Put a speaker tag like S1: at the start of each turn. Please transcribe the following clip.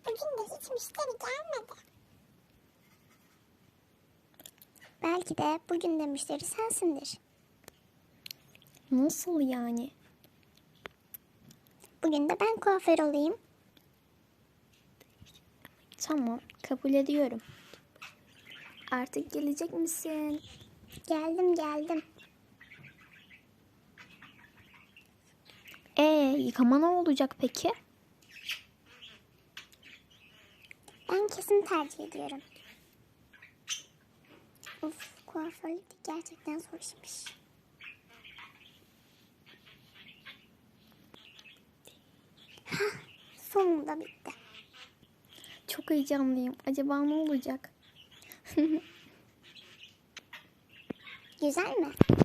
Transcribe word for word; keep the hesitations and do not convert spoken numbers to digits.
S1: Bugün de hiç müşteri gelmedi. Belki de bugün de müşteri sensindir.
S2: Nasıl yani?
S1: Bugün de ben kuaför olayım.
S2: Tamam, kabul ediyorum. Artık gelecek misin?
S1: Geldim geldim.
S2: Ee, yıkama ne olacak peki?
S1: Ben kesin tercih ediyorum. Of, kuaförlük de gerçekten zor işmiş. Hah, sonunda bitti.
S2: Çok heyecanlıyım. Acaba ne olacak?
S1: Güzel mi?